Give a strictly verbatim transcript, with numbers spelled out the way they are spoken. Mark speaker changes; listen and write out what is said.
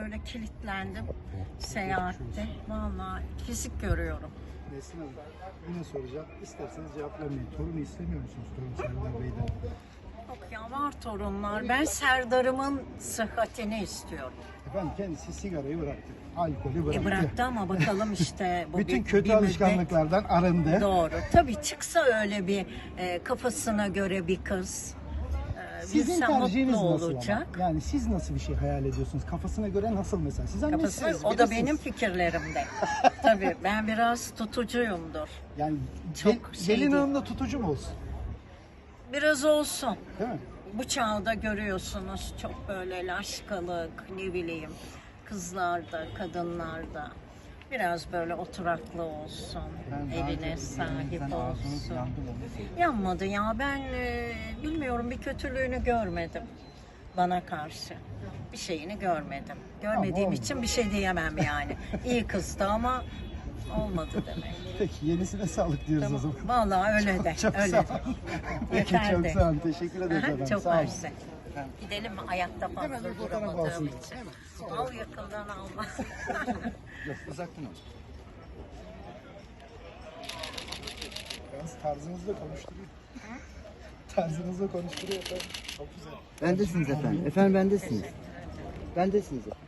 Speaker 1: böyle kilitlendim seyahatte. Vallahi fizik görüyorum.
Speaker 2: Nesrin Hanım, yine soracağım. İsterseniz cevap vermeyin. Torunu istemiyor musunuz torun Serdar Bey'den?
Speaker 1: Yok ya, var torunlar. Ben Serdar'ımın sıhhatini istiyorum.
Speaker 2: Efendim kendisi sigarayı bıraktı. Alkolü bıraktı.
Speaker 1: E bıraktı ama bakalım işte. Bu
Speaker 2: Bütün
Speaker 1: bir-
Speaker 2: kötü
Speaker 1: bir müddet-
Speaker 2: alışkanlıklardan arındı.
Speaker 1: Doğru. Tabii çıksa öyle bir e, kafasına göre bir kız. E,
Speaker 2: Sizin
Speaker 1: bilsem
Speaker 2: tercihiniz
Speaker 1: mutlu
Speaker 2: nasıl
Speaker 1: olacak.
Speaker 2: ama? Yani siz nasıl bir şey hayal ediyorsunuz? Kafasına göre nasıl mesela? Siz
Speaker 1: Kafasına,
Speaker 2: annesiniz,
Speaker 1: o da
Speaker 2: bilirsiniz.
Speaker 1: benim fikirlerimde. Tabii ben biraz tutucuyumdur.
Speaker 2: Yani
Speaker 1: Çok
Speaker 2: gel-
Speaker 1: şey
Speaker 2: gelin
Speaker 1: değil.
Speaker 2: hanım da tutucu mu olsun?
Speaker 1: Biraz olsun.
Speaker 2: Değil mi?
Speaker 1: Bu çağda görüyorsunuz çok böyle laşkalık, ne bileyim, kızlarda, kadınlarda. Biraz böyle oturaklı olsun, evine sahip olsun. Yanmadı ya, ben e, bilmiyorum, bir kötülüğünü görmedim bana karşı. Bir şeyini görmedim. Görmediğim
Speaker 2: Ama
Speaker 1: için bir şey diyemem yani. İyi kızdı ama olmadı demek.
Speaker 2: Peki yenisine sağlık diyoruz o zaman.
Speaker 1: Vallahi öyle de,
Speaker 2: Çok
Speaker 1: öyle
Speaker 2: sağ
Speaker 1: de.
Speaker 2: olun. Peki
Speaker 1: Yeter
Speaker 2: çok
Speaker 1: de.
Speaker 2: sağ olun. Teşekkür ederiz
Speaker 1: Aha,
Speaker 2: efendim.
Speaker 1: çok
Speaker 2: Sağ olun.
Speaker 1: mersi. Gidelim mi? Ayakta
Speaker 2: Hemen
Speaker 1: fazla
Speaker 2: bir fotoğraf
Speaker 1: duramadığım
Speaker 2: alsın.
Speaker 1: için. Al yakından alma.
Speaker 2: Yok uzaktan olsun. Yalnız tarzınızla konuşturuyor. Tarzınızla konuşturuyor efendim. Çok güzel.
Speaker 3: Bendesiniz efendim. Efendim bendesiniz. Bendesiniz efendim.